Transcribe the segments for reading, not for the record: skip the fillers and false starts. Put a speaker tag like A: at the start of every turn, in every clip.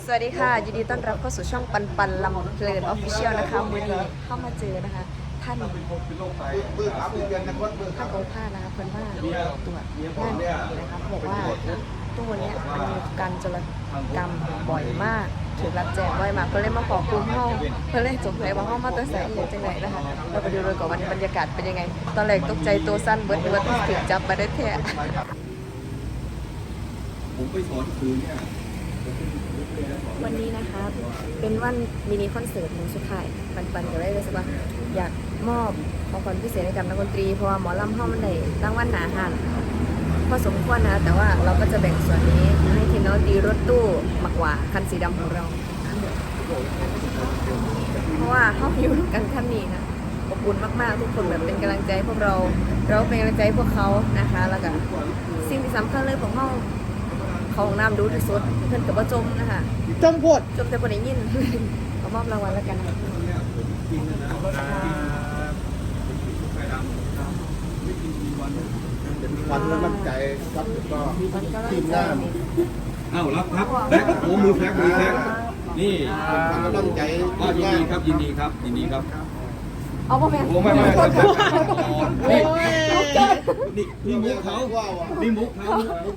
A: สวัสดีค่ะยินดีต้อนรับเข้าสู่ช่องปันปันลำเพลินออฟฟิเชียลนะคะมือนี้เข้ามาเจอนะคะท่านองค์ผ้านะคะเพิ่นว่าตรวจงานนะคะบอกว่าตู้เนี้ยมันมีการโจรกรรมบ่อยมากถูกรับแจ้งบ่อยมากเพิ่นเลยมาขอคุมห้องเพิ่นเลยสงสัยว่าห้องมาตัวแสงอยู่จังไหนนะคะเราไปดูเลยก่อนวันนี้บรรยากาศเป็นยังไงตอนแรกตกใจตัวสั้นเบิดว่าถูกจับมาได้แท้
B: ผมไปสอนคืนเนี่ย
A: วันนี้นะคะเป็นวันมินิคอนเสิร์ตของสุดท้ายปันก็เลยรู้สึกว่าอยากมอบของขวัญพิเศษให้กับนักดนตรีเพราะว่าหมอลำห้องมันได้รางวัลหนาหันพอสมควรนะแต่ว่าเราก็จะแบ่งส่วนนี้ให้ทีมนักดนตรีรถตู้มากกว่าคันสีดำของเราเพราะว่าห้องอยู่กันท่านนี้นะอบอุ่นมากๆทุกคนแบบเป็นกำลังใจพวกเราเป็นกำลังใจพวกเขานะคะแล้วก็สิ่งที่สำคัญเลยของห้องเขาของน้ำดูที่สุดเพื่อนกับว่าจมนะคะ
C: จมโพด
A: จมแต่คนได้ยินเอามอบรางวัลแล้วกันนะ
C: วันแล้วมั่นใจครับก็ทีมงาน
B: เอ้ารับครับแฟกโอ้มือแฟกนี่
C: วันแล้วมั่นใจ
B: ก็ยินดีครับยินดีครับยินดีครับ
A: เอาพ่อแม่
B: โอ้ไม่นี่มุกเขานี่มุกเขา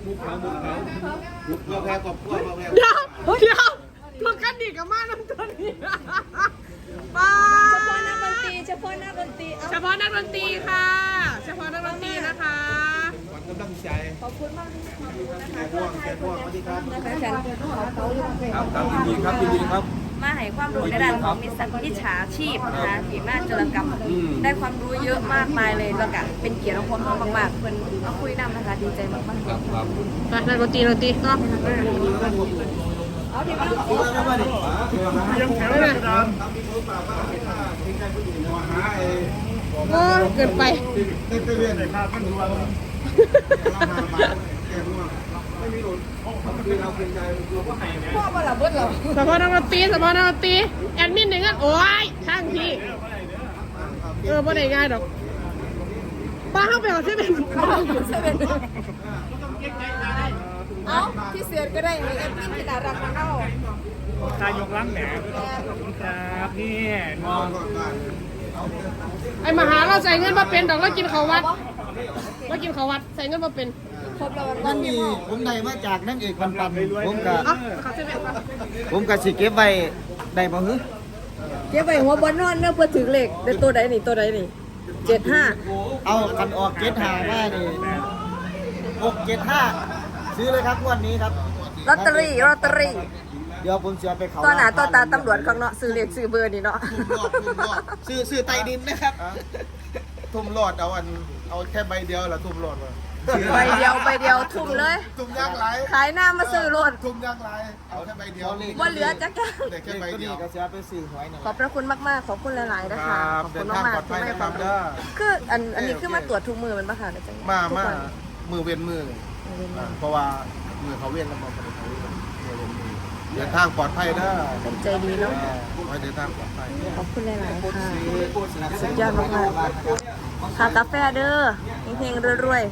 C: เราแพ้กับพวกเราแพ้
D: เดี๋ยวพวกกันดีกับมาน้ำตัวนี้ป้า
A: เฉพาะนักดนตรี
D: เฉพาะนักดนตรีค่ะเฉพาะนักดนตรีนะคะ
C: วันกำลังใจ
A: ขอบคุณมากที่มาดูนะคะ
C: แกร่วงสวัสดีครับ
B: ครับยินดีครับยินดีครับ
A: มาให้ความรู้ในด้านของมิจฉาชีพนะคะที่มาโจรกรรมได้ความรู้เยอะมากมายเลยแล้วก็เป็นเกียรติของคนมากๆเพื่อนมาคุยนำนะคะดีใจมากๆ
B: ครับครับ
D: มานักดนตรีก็
A: เอาที่มาดู
D: โอ้เกินไป
A: พ่อมาละเบิดเหรอ
D: เฉพาะนักดนตรีแอดมินหนึ่งอ่ะโอ้ยช่างพี่บ่ได้ง่ายดอกป้าเข้าไปเอาเซเว่น
A: เอาที่เสือก็ได้ไอ้แอดมินที่ดาราของเรา
E: ตายกล้างแหนครับนี่มอง
D: ไอ้มหาเราใส่เงินมาเป็นดอกเรากินเขาวัดใส่เงินมาเป็น
A: ครบแล้ว
C: นั่นนี่ผมได้มาจากนั่งเอกปันผมกับ
D: เขาเซเว่น
C: ผมกับสิเก็บไว้ได้บ่ฮึ
A: เก็บไว้หัวบอลนอนเนื้อเพื่อถึงเหล็กได้ตัวใดนี่75
C: เอากันออก75มานี่675ซื้อเลยครับงวดนี้ครับ
A: ลอตเตอรี่
C: เดี๋ยวผมจะไปเขา
A: ตัวหนาตัวตาตำรวจข้างเนาะซื้อเลขซื้อเบอร์นี่เนาะ
C: ซื้อไตดินนะครับทุ่มหลอดเอาแค่ใบเดียวละทุ่มหลอดมา
A: ใบเดียวทุ่มเลย
C: ทุ่มยางไร
A: ขายหน้ามาซื้อรถ
C: ทุ่มยางไรเอาแค่ใบเดียว
A: ว่าเหลือจักจ้ะ
C: แต่แค่ใบเดียวก็จะไปซื้อหวยนะ
A: ขอบพระคุณมากๆขอบคุณหลายๆนะคะขอบคุณมากๆที่ให้ความรู้คืออันนี้คือมาตรวจทุกมือมันปะคะจัง
C: มามือเว้นมือเพราะว่ามือเขาเว้นแล้วเขาเดินทางปลอดภัยนะ
A: เป็นใจดีเนาะ
C: ไว้เดินทางปลอดภัย
A: ขอบคุณหลายๆค่ะสุดยอดมากๆค่ะกาแฟเด้อเฮงๆรวย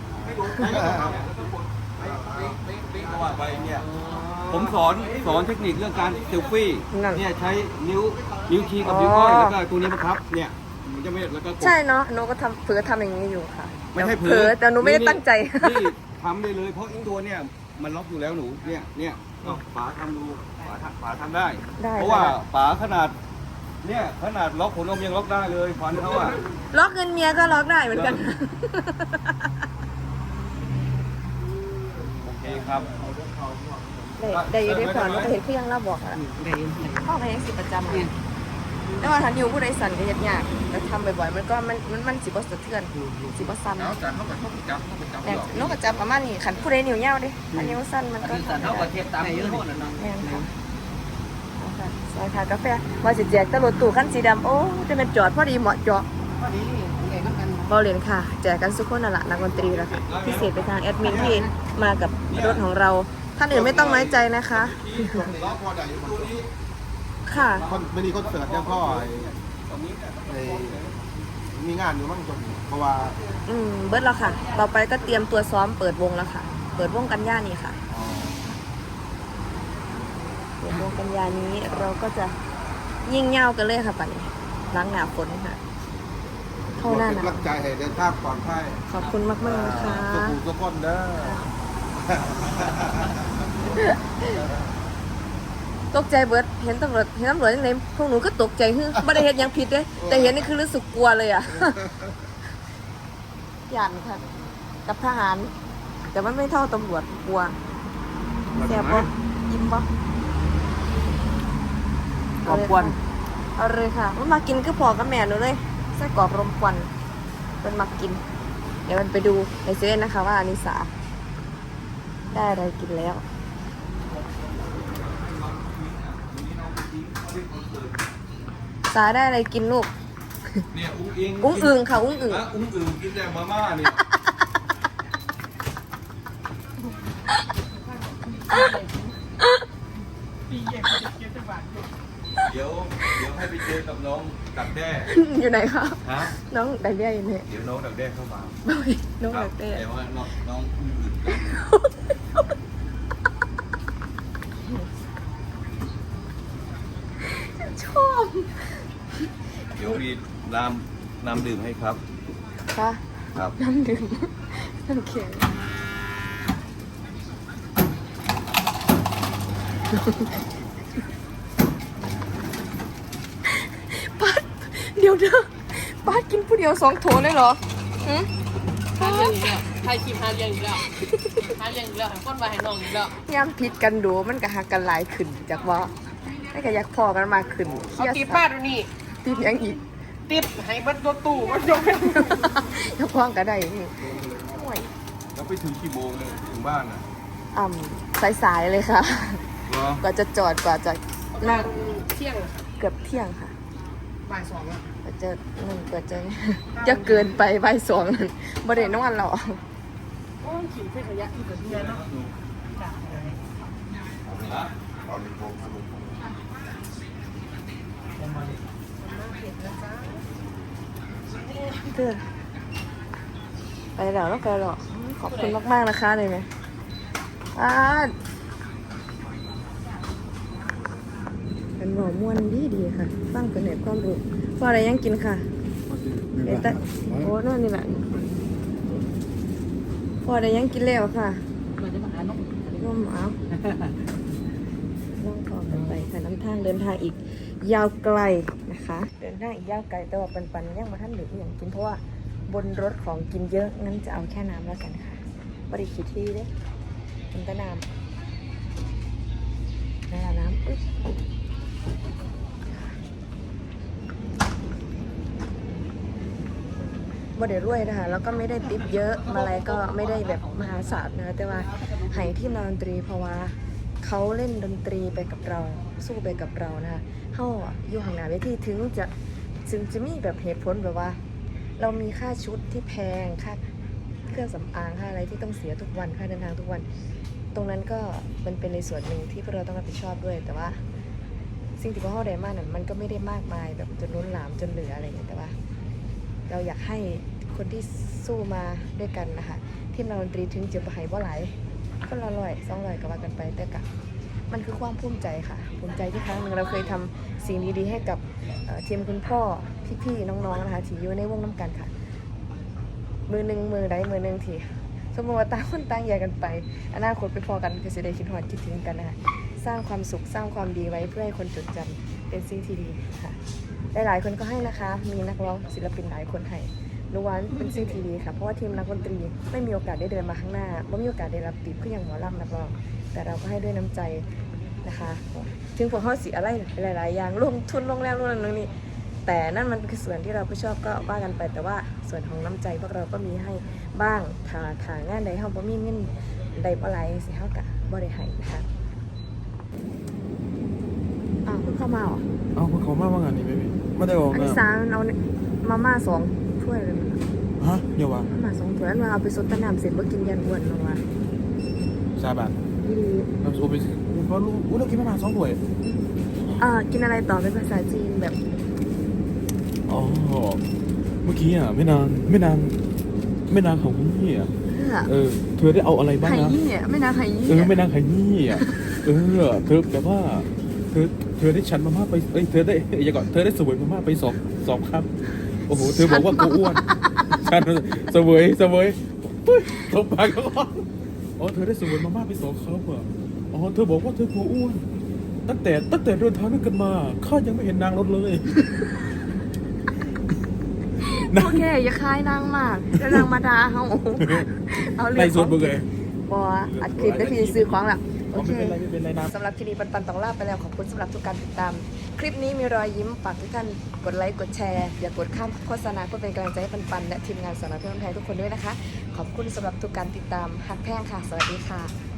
B: ผมสอนเทคนิคเรื่องการเซลฟี่เนี่ยใช้นิ้วชี้กับนิ้วก้อยแล้วก็ตัวนี้นะครับเนี่ยมันจะไม่แล้วก็
A: ๆใช่เนาะหนูก็เผลอทำอย่างนี้อยู่ค่ะ
B: ไม่ใช่เผล
A: อแต่หนูไม่ได้ตั้งใจ
B: นี่ทำได้เลยเพราะอีกตัวเนี่ยมันล็อกอยู่แล้วหนูเนี่ยป๋าทำดูป๋าทำได้เพราะว่าป๋าขนาดล็อกขนนมยังล็อกได้เลยฟันเขาอะ
A: ล็อกเงินเมียก็ล็อกได้เหมือนกัน
B: โอเคครับ
A: ได้อยู่ได้ก่อนว่าเห็นเพียงเราบอกอะพ่อไปยังสิประจำเลยแต่ว่าถ้านิ้วผู้ใดสั่นก็ยากแต่ทำบ่อยๆมันก็มันสิบ่สะเทือนสิบ่ซ้ำแต่นกกระจับประมาณนี้ขันผู้ใดนิ้วเหี่ยวดิอันนิ้วสั้นมันก็สั่นเขาก็เทียบตามนิ้วโทษนะแม่นค่ะซอยขากาแฟว่าสิแจกตลอดตู้คันสีดำโอ้จะเป็นจอดพอดีเหมาะเจาะบอลเลนค่ะแจกกันสุขคนน่ะละนักดนตรีแล้วค่ะพิเศษไปทางแอดมินที่มากับรถของเราท่านอื่นไม่ต้องน้อยใจนะคะค่ะ
C: ไม่มีคอนเสิร์ตเนี่ยพ่อมีงานอยู่มั่งจนเพราะว่า
A: เบิร์ดแล้วค่ะต่อไปก็เตรียมตัวซ้อมเปิดวงแล้วค่ะเปิดวงกันย่านี่ค่ะ 16 โมงกันยานี้เราก็จะยิ่งเง่ากันเลยค่ะป่านนี้ล้างหนาฝนค่ะเข้าหน้าห
C: เป็น
A: นาว
C: กำลังใจให้เดินทางปลอดภัย
A: ขอบคุณมากๆนะคะ
C: สุขุมทุกคนเด้อ
A: ตกใจเบิดเห็นตำรวจยังไงพวกหนูก็ตกใจคือไม่ได้เห็นยังผิดเลยแต่เห็นนี่คือรู้สึกกลัวเลยอ่ะ หยันค่ะ กับทหาร แต่มันไม่เท่าตำรวจกลัวแสบปะยิ้มปะ
E: ขอบคุณ
A: เอาเลยค่ะมันมากินก็พอกับแม่หนูเลยไส้กรอกรมควันมันมากิน เดี๋ยวมันไปดูในเซเว่นนะคะว่าอนิสาได้อะไรกินแล้ว สาได้อะไรกินลูก
B: เนี่ยอุ้งอิง
A: อุ้งอึงค่ะอุ้งอึง
B: นะอุ้งอึงกินแต่มาม่าเนี่ย เดี๋ยวให้ไปเจอกับน้องดักแด้
A: อยู่ไหนคะ
B: ฮะ
A: น้องดักแด้อยู่เนี่ย
B: เดี๋ยวน้องดักแด้เข้ามา
A: น้องดักแด้
B: แต่ว่าน้องอุ้งอึง
A: ชอบ
B: เดี๋ยวมีน้ำดื่มให้ครับ
A: ค่ะ
B: ครับ
A: น้ำดื่มน้ำแข็งป้าเดี๋ยวเด้อป้ากินผู้เดียว2 โถเลยเหรอหืม
D: หาเรื่องอีกแล้วใครคลิปหาเรื่องอีกแล้วหาเรื่องอีกแล้วให้คนมาให้น้องอีกแล้ว
A: ย่ำพิษกันดูมันก็หักกันหลายขึ้นจากว่าไม่ก็อยากพอกันมากขึ้น
D: เอาตีป้าดูนี่
A: ตียังอีก
D: ติดให้เบัดตัวตู้มันยกให้
A: ถ้าพ้องก็ได้นี่โอ้ย
B: แล้วไปถึงกี่โมงเลยถึงบ้านอ่ะ
A: สายๆเลยค่ะ
B: เหรอก
A: ว่าจะจอดกว่าจะนั่ง
D: เที่ยง
A: เกือบเที่ยงค่ะ
D: บ่ายสองแล้ว
A: กว่าจะนั่นกว่าจะ จะเกินไปบ่ายสองนั่นบ่ได้นอนหรอก
D: โอ้ยขี่เพื่อขยะที่เกิดที่ไหนเนาะ
B: ฮะ
C: ตอนนี้ผมสรุป
A: เตือนไปแล้วแล้วไปหรอกขอบคุณมากๆนะคะเลยไหมเป็นหมอม่วนดีค่ะฟังเป็นเหตุความรู้พออะไรยังกินค่ะเดี๋ยวแต่โอ้นั่นนี่แหละพออะไรยังกินแล้วค่ะน้องหมาล่องคอกันไปค่ะน้ำทางเดินทางอีกยาวไกลนะคะ เดินทางอีกยาวไกลแต่ว่าปันยังมาท่านหรืออย่างกินเพราะว่าบนรถของกินเยอะงั้นจะเอาแค่น้ำแล้วกันค่ะบริคิดที่เด้กินแต่น้ำน้ำอุ๊ยบ่ได้รวยนะคะแล้วก็ไม่ได้ติปเยอะมาอะไรก็ไม่ได้แบบมหาศาลนะแต่ว่าให้ที่นดนตรีเพราะว่าเขาเล่นดนตรีไปกับเราสู้ไปกับเรานะคะเขาอยู่ห่างหน้าเวทีถึงจะมีแบบเหตุผลแบบว่า เรามีค่าชุดที่แพงค่าเครื่องสำอางค่าอะไรที่ต้องเสียทุกวันค่าเดินทางทุกวัน ตรงนั้นก็มันเป็นในส่วนหนึ่งที่พวกเราต้องรับผิดชอบด้วยแต่ว่าสิ่งที่พวกเราได้มากนั้นมันก็ไม่ได้มากมายแบบจนล้นหลามจนเหลืออะไรอย่างเงี้ยแต่ว่า เราอยากให้คนที่สู้มาด้วยกันนะคะทีมดนตรีถึงจะไปบ่หลายก็ละ100-200ก็ว่ากันไปแต่กะมันคือความภูมิใจค่ะภูมิใจที่ครั้งหนึ่งเราเคยทำสิ่งดีๆให้กับทีมคุณพ่อพี่ๆน้องๆนะคะที่อยู่ในวงน้ำกันค่ะมือหนึ่งทีสมมติว่าต่างคนต่างแยกกันไปอนาคตไปพอกันก็จะได้คิดฮอดคิดถึงกันนะคะสร้างความสุขสร้างความดีไว้เพื่อให้คนจดจำเป็นสิ่งที่ดีค่ะหลายๆคนก็ให้นะคะมีนักร้องศิลปินหลายคนให้รู้ว่าเป็นสิ่งที่ดีค่ะเพราะว่าทีมนักดนตรีไม่มีโอกาสได้เดินมาข้างหน้าไม่มีโอกาสได้รับติปเพื่ออย่างหมอลำนักร้องแต่เราก็ให้ด้วยน้ำใจนะคะถึงพวกเขาเสียอะไรหลายๆอย่างลงทุนลงแรงลงนั่นนี่แต่นั่นมันคือส่วนที่เราผู้ชอบก็ว่ากันไปแต่ว่าส่วนของน้ำใจพวกเราก็มีให้บ้างถ้างานใดเฮาบ่มีเงินใดบ่หลายสิเฮาก็บ่ได้ให้นะคะเพิ่งเข้ามาเหรอ
C: เอาเขามาว่างานนี้ไม่ได้บอก
A: อัน
C: นะ
A: นี้3เอามาม่า2ถ้วยเลยนะ
C: ฮะเดี๋ยววะ
A: มาม่า2ถ้วยอันว่าเอาไปซดตะน้ำเสร็จบ่กินยันอ้วนลงว่า
C: ชาบัน
A: อีหลี
C: น้ำซุปไปเพราะรู้เรากินประมาณ2 ถ้วย
A: กินอะไรต่อเป็นภาษาจีนแบบ
C: อ๋อเมื่อกี้อ่ะไม่นางของพี่อ่ะเธอได้เอาอะไรบ้าง
A: ไข่
C: นะ
A: ยี่เนี่ยไม่นาไข่ยี่
C: ไม่นางไข่นี่อ่ะเธอแบบว่า
F: เธอได้ฉันมาม่าไปเธอได้อย่าก่อนเธอได้เสวยมาม่าไปสองครับโอ้โหเธอบอกว่ากูอ้วนฉันเสวยตบปากก็อ๋อเธอได้เสวยมาม่าไป2 ครับอ่ะอ๋อเธอบอกว่าเธอกลัวอ้วนตั้งแต่เดินทางด้วยกันมาข้ายังไม่เห็นนางรถเลย
A: โอเคอย่าคายนางมากแล้วนางมาด่าเฮาเอาเรื่
F: ใน
A: อง
F: ส่วนมึงเลย
A: บ่อัดคลิปได้พี่ซื้อของล่ะโอเค
F: ไม่เป็นไรนะ
A: สำหรับคลิปนี้ปันต้องลาไปแล้วขอบคุณสำหรับทุกการติดตาม คลิปนี้มีรอยยิ้มฝากทุกท่านกดไลค์กดแชร์อย่ากดข้ามโฆษณาเพื่อเป็นกำลังใจให้ปันและทีมงานสาวน้อยเพื่อนแพงทุกคนด้วยนะคะ ขอบคุณสำหรับทุกการติดตามฮักแพงค่ะสวัสดีค่ะ